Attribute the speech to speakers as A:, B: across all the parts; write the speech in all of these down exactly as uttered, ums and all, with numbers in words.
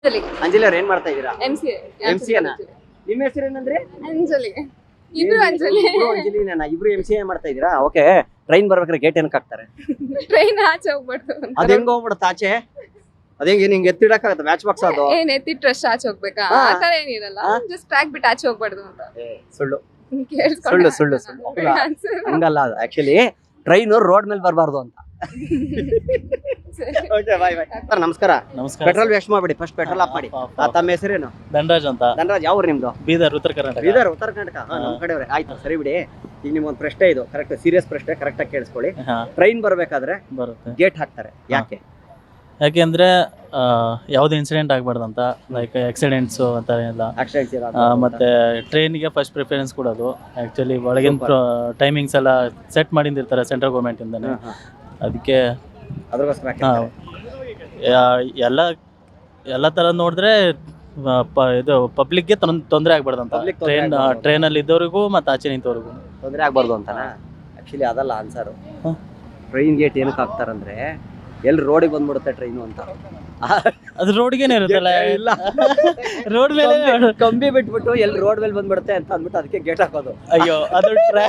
A: ಅಂಜಲಿ
B: ಅಂಜಲಿ ಅವ್ರು ಏನ್ ಮಾಡ್ತಾ ಇದೀರಾ?
A: ಎಂಸಿಎ
B: ಎಂಸಿಎನ ನಿಮ್ಮ ಹೆಸರು ಏನಂದ್ರೆ?
A: ಅಂಜಲಿ ಇಬ್ರು ಅಂಜಲಿ
B: ಇಬ್ರು ಅಂಜಲಿನ ಇಬ್ರು ಎಂಸಿಎ ಮಾಡ್ತಾ ಇದೀರಾ? ಓಕೆ. ಟ್ರೈನ್ ಬರ್ಬೇಕಾದ್ರೆ ಗೇಟ್ ಏನಕ್ಕೆ ಹಾಕ್ತಾರೆ?
A: ಟ್ರೈನ್ ಆಚೆ ಹೋಗ್ಬಾರ್ದು ಅಂತ.
B: ಅದ್ ಹೆಂಗ್ ಹೋಗ್ಬಿಡುತ್ತೆ ಆಚೆ? ಅದ್ ಹೆಂಗ್ ನಿಂಗೆ ಎತ್ತಿಡಕ್ಕಾಗತ್ತೆ? ಮ್ಯಾಚ್ ಬಾಕ್ಸ್ ಅದು
A: ಏನ್ ಎತ್ತಿಟ್ರೆ ಅಷ್ಟೇ ಆಚೆ ಹೋಗ್ಬೇಕಾ?
B: ಹಾ.
A: ಆ ತರ ಏನಿರಲ್ಲ, ಜಸ್ಟ್ ಟ್ರ್ಯಾಕ್ ಬಿಟ್ಟು ಆಚೆ ಹೋಗ್ಬಾರ್ದು ಅಂತ.
B: ಏ, ಸುಳ್ಳು
A: ಕೇಳಿಸ್ಕೊಂಡೆ
B: ಸುಳ್ಳು ಸುಳ್ಳು ಸುಳ್ಳು ಹೌದಾ?
A: answer.
B: ಹಂಗಲ್ಲ ಅದು ಆಕ್ಚುಲಿ ಟ್ರೈನ್ ರೋಡ್ ಮೇಲೆ ಬರಬಾರ್ದು ಅಂತ.
A: ಸರಿ.
B: ಓಕೆ ಬಾಯ್ ಬಾಯ್ ಸರ್ ನಮಸ್ಕಾರ.
C: ನಮಸ್ಕಾರ.
B: ಪೆಟ್ರೋಲ್ ವೇಸ್ಟ್ ಮಾಡ್ಬಿಡಿ, ಫಸ್ಟ್ ಪೆಟ್ರೋಲ್ ಆಫ್ ಮಾಡಿ. ಆ, ತಮ್ಮ ಹೆಸರೇನು?
C: ಧನರಾಜ್ ಅಂತ,
B: ಧನರಾಜ್. ಯಾವ ಊರು ನಿಮ್ದು?
C: ಬೀದರ್, ಉತ್ತರ ಕರ್ನಾಟಕ.
B: ಬೀದರ್ ಉತ್ತರ ಕರ್ನಾಟಕ. ಹಾ, ನಮ್
C: ಹಾ.
B: ಕಡೆಯವ್ರೆ. ಆಯ್ತು ಸರಿ ಬಿಡಿ. ಈಗ ನಿಮ್ಗೊಂದು ಪ್ರಶ್ನೆ ಇದು ಕರೆಕ್ಟ್ ಸೀರಿಯಸ್ ಪ್ರಶ್ನೆ, ಕರೆಕ್ಟ್ ಆಗಿ ಕೇಳಿಸ್ಕೊಳ್ಳಿ.
C: ಹಾ,
B: ಟ್ರೈನ್ ಬರ್ಬೇಕಾದ್ರೆ
C: ಬರುತ್ತೆ.
B: ಗೇಟ್ ಹಾಕ್ತಾರೆ, ಯಾಕೆ?
C: ಯಾಕೆಂದ್ರೆ ಆ, ಯಾವ್ದು ಇನ್ಸಿಡೆಂಟ್ ಆಗ್ಬಾರ್ದಂತ, ಲೈಕ್ ಆಕ್ಸಿಡೆಂಟ್ಸು ಅಂತ ಎಲ್ಲ.
B: ಆಕ್ಸಿಡೆಂಟ್ಸ್
C: ಆ, ಮತ್ತೆ ಟ್ರೈನಿಗೆ ಫಸ್ಟ್ ಪ್ರಿಫರೆನ್ಸ್ ಕೊಡೋದು. ಆ್ಯಕ್ಚುಲಿ ಒಳಗಿನ ಟೈಮಿಂಗ್ಸ್ ಎಲ್ಲ ಸೆಟ್ ಮಾಡಿರ್ತಾರೆ ಸೆಂಟ್ರಲ್ ಗೌರ್ಮೆಂಟ್ ಇಂದಾನೆ. ಅದಕ್ಕೆ
B: ಅದ್ರಗೋಸ್ಕರ
C: ಹಾ, ಯಾ- ಎಲ್ಲ ಎಲ್ಲ ಥರ ನೋಡಿದ್ರೆ ಆ, ಪ- ಇದು ಪಬ್ಲಿಕ್ಗೆ ತೊಂದರೆ ಆಗ್ಬಾರ್ದಂತ.
B: Public ತೊಂದ್ರೆ
C: ಟ್ರೈನ್
B: ಆಗ್ಬಾರ್ದು.
C: ಟ್ರೈನಲ್ಲಿ ಇದ್ದವ್ರಿಗೂ ಮತ್ತು ಆಚೆ ನಿಂತವ್ರಿಗೂ.
B: ತೊಂದರೆ ಆಗ್ಬಾರ್ದು ಅಂತನಾ? ಆಕ್ಚುಲಿ ಅದಲ್ಲ ಆನ್ಸರ್.
C: ಹಾ.
B: ಟ್ರೈನ್ ಗೇಟ್ ಏನಕ್ಕೆ ಹಾಕ್ತಾರಂದ್ರೆ ಎಲ್ಲಿ ರೋಡಿಗೆ ಬಂದ್ಬಿಡುತ್ತೆ ಟ್ರೈನು ಅಂತ.
C: ಅದು ರೋಡ್ಗೇನೆ ಇರುತ್ತಲ್ಲ,
B: ಇಲ್ಲ
C: ರೋಡ್ ಮೇಲೆ.
B: ಕಂಬಿ- ಕಂಬಿ ಬಿಟ್ಬಿಟ್ಟು ಎಲ್ಲಿ ರೋಡ್ ಮೇಲೆ ಬಂದ್ಬಿಡುತ್ತೆ ಅಂತ ಅಂದ್ಬಿಟ್ಟು ಅದಕ್ಕೆ ಗೇಟ್ ಹಾಕೋದು.
C: ಅಯ್ಯೋ, ಅದು ಟ್ರೈ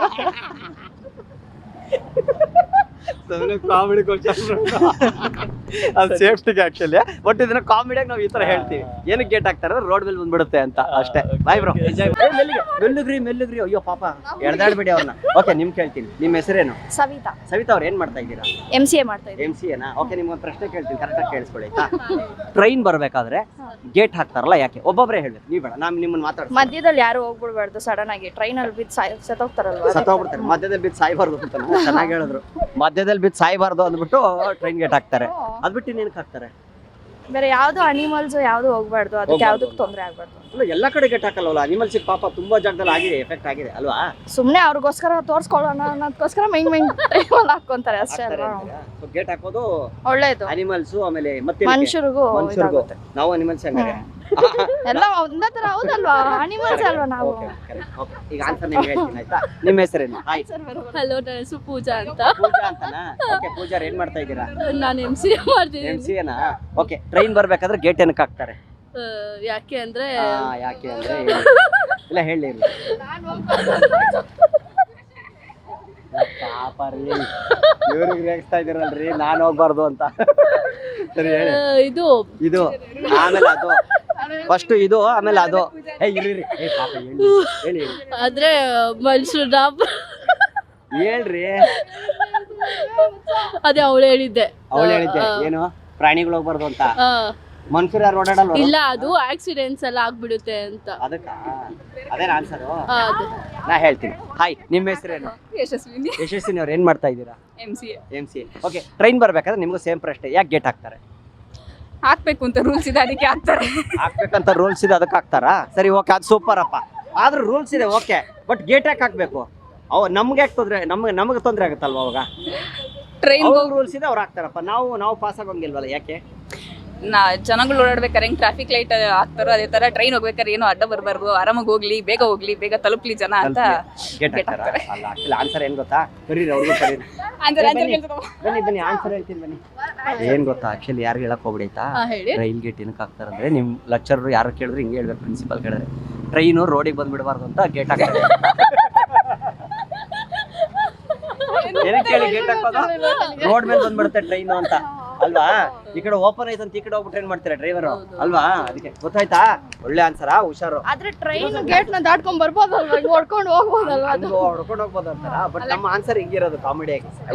B: ಕಾಮಿಡಿ ಅದು ಸೇಫ್ಟಿಗೆ ಆಕ್ಚುಲಿ. ಬಟ್ ಇದನ್ನ ಕಾಮಿಡಿಯಾಗಿ ನಾವು ಈ ತರ ಹೇಳ್ತೀವಿ. ಏನಕ್ಕೆ ಗೇಟ್ ಹಾಕ್ತಾರೆ ರೋಡ್ ಮೇಲೆ ಬಂದ್ಬಿಡುತ್ತೆ ಅಂತ ಅಷ್ಟೇ. Bye bro. ಮೆಲ್ಲುಗ್ರಿ ಮೆಲ್ಲುಗ್ರಿ. ಅಯ್ಯೋ ಪಾಪ ಎಳ್ದಾಡ್ಬೇಡಿ ಅವ್ರನ್ನ. ಓಕೆ, ನಿಮ್ ಕೇಳ್ತೀನಿ. ನಿಮ್ಮ ಹೆಸರೇನು?
D: ಸವಿತಾ
B: ಸವಿತಾ ಅವ್ರು ಏನ್ ಮಾಡ್ತಾ ಇದ್ದೀರಾ?
D: ಎಂ ಸಿ ಎ ಮಾಡ್ತಾ ಇದ್ದೀನಿ.
B: ಎಂ ಸಿ ಎನಾ? ಓಕೆ, ನಿಮ್ಗೊಂದು ಪ್ರಶ್ನೆ ಕೇಳ್ತೀನಿ, ಕರೆಕ್ಟಾಗಿ ಕೇಳಿಸ್ಕೊಳ್ಳಿ ಆಯ್ತಾ? ಟ್ರೈನ್ ಬರ್ಬೇಕಾದ್ರೆ ಗೇಟ್ ಹಾಕ್ತಾರಲ್ಲ ಯಾಕೆ? ಒಬ್ಬೊಬ್ಬರೇ ಹೇಳ್ಬೇಕು, ನೀವು ಬೇಡ, ನಾನು ನಿಮ್ಮನ್ನ ಮಾತಾಡ್ತೀನಿ.
D: ಮಧ್ಯದಲ್ಲಿ ಯಾರು ಹೋಗ್ಬಿಡ್ಬಾರ್ದು ಸಡನ್ ಆಗಿ. ಟ್ರೈನ್ ಅಲ್ಲಿ ಬಿದ್ದು ಸಾಯ್ ಸತ್ತೋಗ್ತಾರಲ್ವಾ?
B: ಸತ್ತೋಗ್ಬಿಡ್ತಾರೆ. ಮಧ್ಯದಲ್ಲಿ ಬಿದ್ದು ಸಾಯ್ಬಾರ್ದು ಅಂತ ಚೆನ್ನಾಗಿ ಹೇಳಿದ್ರು. ಮಧ್ಯದಲ್ಲಿ ಬಿದ್ದು ಸಾಯ್ಬಾರ್ದು ಅಂದ್ಬಿಟ್ಟು ಟ್ರೈನ್ ಗೇಟ್ ಹಾಕ್ತಾರೆ. ಅದ್ಬಿಟ್ಟು ಇನ್ನೇನಕ್ಕೆ ಹಾಕ್ತಾರೆ?
D: ಬೇರೆ ಯಾವ್ದು ಅನಿಮಲ್ಸ್ ಯಾವ್ದು ಹೋಗ್ಬಾರ್ದು, ಅದಕ್ಕೆ
B: ಹೋಗ್ಬಾರ್ದು
D: ಯಾವ್ದಕ್ಕೆ
B: ಅಂತ.
D: ತೊಂದ್ರೆ ಆಗ್ಬಾರ್ದು.
B: ಅಲ್ಲ, ಎಲ್ಲಾ ಕಡೆ ಗೇಟ್ ಹಾಕಲ್ವಲ್ಲ. ಅನಿಮಲ್ಸ್ ಪಾಪ ತುಂಬಾ ಜಾಗದಲ್ಲಿ ಆಗಿದೆ, ಎಫೆಕ್ಟ್ ಆಗಿದೆ ಅಲ್ವಾ?
D: ಸುಮ್ನೆ ಅವ್ರಿಗೋಸ್ಕರ ತೋರ್ಸ್ಕೊಳ್ಳೋಣ ಅನ್ನೋದಕ್ಕೋಸ್ಕರ ಮೈನ್ ಮೈನ್ ಟ್ರೈನ್ ಹಾಕೊಂತಾರೆ ಅಷ್ಟೇ ಅಲ್ವಾ?
B: ಗೇಟ್ ಹಾಕೋದು
D: ಒಳ್ಳೇದು.
B: ಅನಿಮಲ್ಸ್ ಆಮೇಲೆ ಮತ್ತೆ
D: ಮನುಷ್ಯರಿಗೂ
B: ಮನುಷ್ಯರಿಗೂ.
D: ಇದಾಗುತ್ತೆ.
B: ನಾವು ಅನಿಮಲ್ಸ್ ಹಂಗಾರೆ.
D: ಎಲ್ಲ ಒಂದೇ ತರ ಹೌದಲ್ವಾ? ಅನಿಮಲ್ಸ್ ಅಲ್ವಾ ನಾವು?
B: Okay, correct. Okay. ಈಗ ಆನ್ಸರ್ ನಿಮ್ಗೆ ಹೇಳ್ತೀನಿ ಆಯ್ತಾ? ನಿಮ್ಮ ಹೆಸರೇನು? ಹಾಯ್.
A: ಹಲೋ, ನನ್ನ ಹೆಸರು ಪೂಜಾ ಅಂತ.
B: ಪೂಜಾ ಅಂತನಾ? ಓಕೆ, ಪೂಜಾ ಅವ್ರು ಏನ್ ಮಾಡ್ತಾ ಇದ್ದೀರಾ?
A: ನಾನು ಎಂ ಸಿ
B: ಎಂ
A: ಮಾಡ್ತಿದ್ದೀನಿ.
B: ಸಿ ಎನಾ? ಓಕೆ, ಟ್ರೈನ್ ಬರ್ಬೇಕಾದ್ರೆ ಗೇಟ್ ಏನಕ್ಕೆ ಹಾಕ್ತಾರೆ?
A: ಆ, ಯಾಕೆ ಅಂದ್ರೆ
B: ಆ, ಯಾಕೆ ಅಂದ್ರೆ ಹೇಳಿ. ಇಲ್ಲ ಹೇಳಿ ಇಲ್ಲ. ಪಾಪ ರೀ, ಇವ್ರಿಗೆ ರೇಗಿಸ್ತಾ ಇದೀರಲ್ರಿ ನಾನು ಹೋಗ್ಬಾರ್ದು ಅಂತ. ಸರಿ ಹೇಳಿ.
A: ಆ, ಇದು
B: ಇದು ಆಮೇಲೆ ಅದು ಫಸ್ಟ್ ಇದು ಆಮೇಲೆ ಅದು. ಏ ಇರಿ ಇರಿ. ಏ ಪಾಪ ಹೇಳಿ ಹೇಳಿ ಹೇಳಿ.
A: ಆದ್ರೆ ಮನುಷ್ಯರನ್ನ
B: ಹೇಳ್ರಿ.
A: ಅದೇ ಅವಳು ಹೇಳಿದ್ದೆ.
B: ಅವಳು ಹೇಳಿದ್ದೆ ಏನು? ಪ್ರಾಣಿಗಳು ಹೋಗ್ಬಾರ್ದು ಅಂತ.
A: ಆ,
B: ಮನುಷ್ಯರು ಯಾರು ಓಡಾಡಲ್ಲ?
A: ಇಲ್ಲ, ಅದು ಆಕ್ಸಿಡೆಂಟ್ಸ್ ಎಲ್ಲ ಆಗ್ಬಿಡುತ್ತೆ ಅಂತ.
B: ಅದಕ್ಕ ಅದೇನ ಆನ್ಸರು?
A: ಆ, ಅದು
B: ನಾ ಹೇಳ್ತೀನಿ. ಹಾಯ್, ನಿಮ್ಮ ಹೆಸರೇನು?
A: ಯಶಸ್ವಿನಿ.
B: ಯಶಸ್ವಿನಿ ಅವ್ರು ಏನ್ ಮಾಡ್ತಾ ಇದ್ದೀರಾ?
A: M C A
B: M C. Okay, train ಬರ್ಬೇಕಾದ್ರೆ ನಿಮ್ಗೂ ಸೇಮ್ ಪ್ರಶ್ನೆ, ಯಾಕೆ ಗೇಟ್ ಹಾಕ್ತಾರೆ?
A: ಹಾಕ್ಬೇಕು ಅಂತ ರೂಲ್ಸ್ ಇದೆ, ಅದಕ್ಕೆ ಹಾಕ್ತಾರೆ.
B: ಹಾಕ್ಬೇಕಂತ ರೂಲ್ಸ್ ಇದೆ, ಅದಕ್ಕೆ ಹಾಕ್ತಾರಾ? ಸರಿ, ಓಕೆ, ಅದು ಸೂಪರ್ ಅಪ್ಪ. ಆದ್ರೂ ರೂಲ್ಸ್ ಇದೆ, ಓಕೆ, ಬಟ್ ಗೇಟ್ ಯಾಕೆ ಹಾಕ್ಬೇಕು? ಅವ್ ನಮ್ಗೆ ಯಾಕೆ ತೊಂದ್ರೆ? ನಮ್ಗೆ ನಮಗೆ ತೊಂದರೆ ಆಗುತ್ತಲ್ವ ಅವಾಗ?
A: ಟ್ರೈನ್
B: ರೂಲ್ಸ್ ಇದೆ, ಅವ್ರು ಹಾಕ್ತಾರಪ್ಪ. ನಾವು ನಾವು ಪಾಸ್ ಆಗೋಂಗಿಲ್ವಲ್ಲ, ಯಾಕೆ?
E: ನಾ ಜನಗಳು ಓಡಾಡ್ಬೇಕಾರೆ ಹೆಂಗ್ ಟ್ರಾಫಿಕ್ ಲೈಟ್ ಹಾಕ್ತಾರೋ ಅದೇ ತರ ಟ್ರೈನ್ ಹೋಗ್ಬೇಕಾದ್ರೆ ಏನೋ ಅಡ್ಡ ಬರಬಾರ್ದು, ಆರಾಮಾಗಿ ಹೋಗ್ಲಿ, ಬೇಗ ಹೋಗ್ಲಿ, ಬೇಗ ತಲುಪ್ಲಿ ಜನ ಅಂತ
B: ಗೇಟ್
E: gate
B: ಹಾಕ್ತಾರ?
E: ಹಾಕ್ತಾರೆ.
B: ಅಲ್ಲ, ಆಕ್ಚುಲಿ ಆನ್ಸರ್ ಏನ್ ಗೊತ್ತಾ? ಕರೀರಿ, ಅವ್ರಿಗೂ ಕರೀರಿ.
E: ಆನ್ಸರ್ ಆನ್ಸರ್
B: ಬನ್ನಿ.
E: ಕೇಳ್ತದವ.
B: ಬನ್ನಿ ಬನ್ನಿ, ಆನ್ಸರ್ ಹೇಳ್ತೀನಿ ಬನ್ನಿ. ಏನ್ ಗೊತ್ತಾ, ಆಕ್ಚುಲಿ ಯಾರು ಹೇಳಕ್ ಹೋಗ್ಬಿಡೈತಾ?
A: ಹಾ, ಹೇಳಿ.
B: ರೈಲ್ ಗೇಟ್ ಏನಕ್ಕೆ ಹಾಕ್ತಾರಂದ್ರೆ, ನಿಮ್ ಲೆಕ್ಚರ್ ಯಾರು ಕೇಳಿದ್ರೆ ಹಿಂಗೆ ಹೇಳ್ಬೇಕು, ಪ್ರಿನ್ಸಿಪಲ್ ಕೇಳಿದ್ರೆ ಟ್ರೈನು ರೋಡಿಗೆ ಬಂದ್ಬಿಡಬಾರ್ದು ಅಂತ ಗೇಟ್ ಹಾಕ್ತಾರೆ. ಏನಕ್ಕೆ ಹೇಳಿ ಗೇಟ್ ಹಾಕೋದು? ರೋಡ್ ಮೇಲೆ ಬಂದ್ಬಿಡುತ್ತೆ ಟ್ರೈನು ಅಂತ ಅಲ್ವಾ? ಈ ಕಡೆ ಓಪನ್ ಐತೆ ಅಂತ ಈ ಕಡೆ ಹೋಗ್ಬಿಟ್ಟು ಏನ್ ಮಾಡ್ತಾರೆ ಡ್ರೈವರ್ ಅಲ್ವಾ? ಅದಕ್ಕೆ ಗೊತ್ತಾಯ್ತಾ? ಒಳ್ಳೆ ಆನ್ಸರಾ, ಹುಷಾರು.
D: ಆದ್ರೆ ಟ್ರೈನ್ ಗೇಟ್ ನ ದಾಟ್ಕೊಂಡ್ ಬರ್ಬೋದಲ್ವಾ? ಹೊಡ್ಕೊಂಡು ಹೋಗ್ಬೋದಲ್ವಾ? ಅದು
B: ಹೊಡ್ಕೊಂಡು ಹೋಗ್ಬೋದು ಅಂತಾರ. ಬಟ್ ನಮ್ಮ ಆನ್ಸರ್ ಹಿಂಗಿರೋದು ಕಾಮಿಡಿಯಾಗಿ.